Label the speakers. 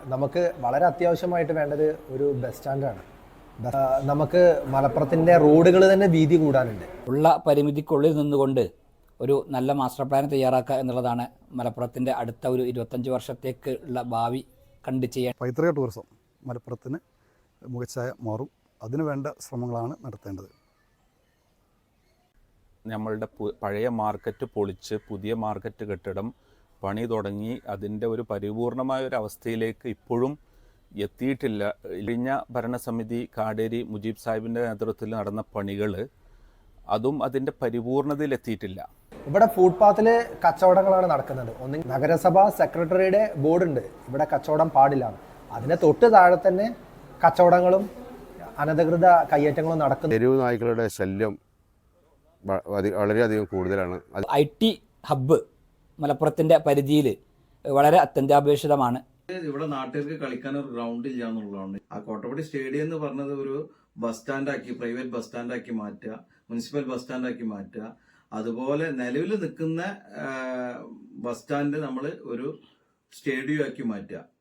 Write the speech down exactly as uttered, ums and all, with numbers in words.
Speaker 1: നമുക്ക് വളരെ അത്യാവശ്യമായിട്ട് വേണ്ടത് ഒരു ബസ് സ്റ്റാൻഡാണ്. നമുക്ക് മലപ്പുറത്തിൻ്റെ റോഡുകൾ തന്നെ വീതി കൂടാനുണ്ട്.
Speaker 2: ഉള്ള പരിമിതിക്കുള്ളിൽ നിന്നുകൊണ്ട് ഒരു നല്ല മാസ്റ്റർ പ്ലാൻ തയ്യാറാക്കുക എന്നുള്ളതാണ് മലപ്പുറത്തിൻ്റെ അടുത്ത ഒരു ഇരുപത്തഞ്ച് വർഷത്തേക്ക് ഉള്ള ഭാവി കണ്ടു ചെയ്യാൻ.
Speaker 3: പൈതൃക ടൂറിസം മലപ്പുറത്തിന് മികച്ചായ മാറും. അതിനുവേണ്ട ശ്രമങ്ങളാണ് നടത്തേണ്ടത്.
Speaker 4: നമ്മളുടെ പഴയ മാർക്കറ്റ് പൊളിച്ച് പുതിയ മാർക്കറ്റ് കെട്ടിടം പണി തുടങ്ങി അതിൻ്റെ ഒരു പരിപൂർണമായ ഒരു അവസ്ഥയിലേക്ക് ഇപ്പോഴും എത്തിയിട്ടില്ല. കഴിഞ്ഞ ഭരണസമിതി കാടേരി മുജീബ് സാഹിബിൻ്റെ നേതൃത്വത്തിൽ നടന്ന പണികൾ അതും അതിൻ്റെ പരിപൂർണതയിൽ എത്തിയിട്ടില്ല.
Speaker 1: ഇവിടെ ഫുട്പാത്തിൽ കച്ചവടങ്ങളാണ് നടക്കുന്നത്. ഒന്ന് നഗരസഭ സെക്രട്ടറിയുടെ ബോർഡുണ്ട്, ഇവിടെ കച്ചവടം പാടില്ല. അതിന് തൊട്ട് താഴെ തന്നെ കച്ചവടങ്ങളും അനധികൃത കയ്യേറ്റങ്ങളും നടക്കുന്നു.
Speaker 5: തെരുവ് നായ്ക്കളുടെ ശല്യം വളരെയധികം കൂടുതലാണ്.
Speaker 2: ഐ ടി ഹബ്ബ് മലപ്പുറത്തിൻ്റെ പരിധിയിൽ വളരെ അത്യന്താപേക്ഷിതമാണ്.
Speaker 6: ഇവിടെ നാട്ടുകാർക്ക് കളിക്കാൻ ഒരു ഗ്രൗണ്ട് ഇല്ല എന്നുള്ളതാണ്. ആ കോട്ടപ്പടി സ്റ്റേഡിയം എന്ന് പറഞ്ഞത് ഒരു ബസ് സ്റ്റാൻഡാക്കി, പ്രൈവറ്റ് ബസ് സ്റ്റാൻഡാക്കി മാറ്റുക, മുനിസിപ്പൽ ബസ് സ്റ്റാൻഡാക്കി മാറ്റുക. അതുപോലെ നിലവിൽ നിൽക്കുന്ന ബസ് സ്റ്റാൻഡ് നമ്മൾ ഒരു സ്റ്റേഡിയം ആക്കി മാറ്റുക.